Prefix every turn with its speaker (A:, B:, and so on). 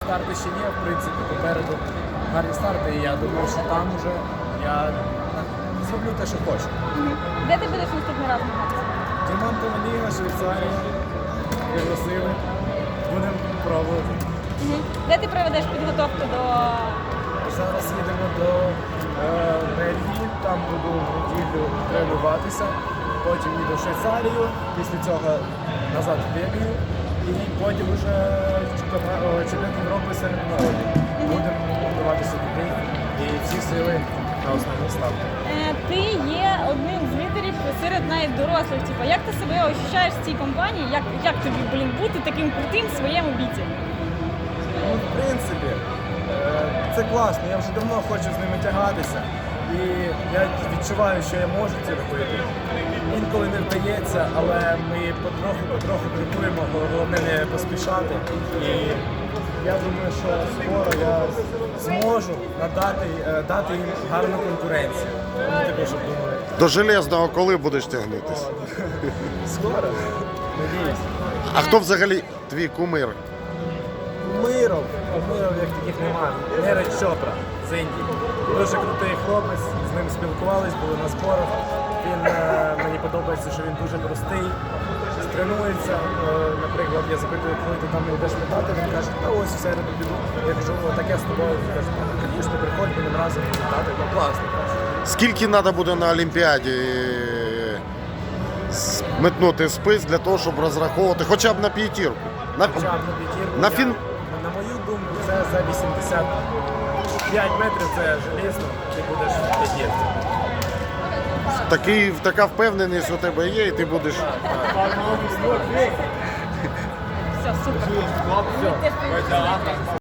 A: старти ще є, в принципі, попереду гарні старти, і я думаю, що там вже я зроблю те, що хочу.
B: Де ти будеш наступний раз змагатися?
A: Діамантова ліга, Швейцарія, пригласили, будемо пробувати.
B: Де ти проведеш підготовку до...
A: Зараз їдемо до Бельгії, там буду в неділю тренуватися, потім їду в Швейцарію, після цього назад в Бельгію і потім вже чемпіонат Європи серед народів. Будемо готуватися туди і всі сили на основні ставки.
B: Ти є одним з лідерів серед навіть дорослих. Типу, як ти себе ощущаєш в цій компанії? Як тобі, бути таким крутим в своєму віці?
A: Ну, в принципі, це класно, я вже давно хочу з ними тягатися. І я відчуваю, що я можу це робити. Інколи не вдається, але ми потроху крокуємо, головне не поспішати. І я думаю, що скоро я зможу дати їм гарну конкуренцію. Вони також думали.
C: До Железного коли будеш тягнутися?
A: Скоро? Надіюсь.
C: А хто взагалі твій кумир?
A: Кумиров як таких немає. Неред Чопра з Індії. Дуже крутий хлопець, з ним спілкувались, були на зборах. Мені подобається, що він дуже простий, тренується. Наприклад, я запитую, коли ти там не йдеш літати, він каже, та ось в середу піду. Я кажу, таке з тобою. Він каже, звісно, приходь, будемо разом літати. Ну, класно.
C: Скільки треба буде на Олімпіаді метнути спис для того, щоб розраховувати хоча б на п'ятірку?
A: Хоча б на п'ятірку. На мою думку, це за 85 метрів, це желізно, ти будеш в п'ятірці.
C: Така впевненість у тебе є, і ти будеш.
B: Все, супер.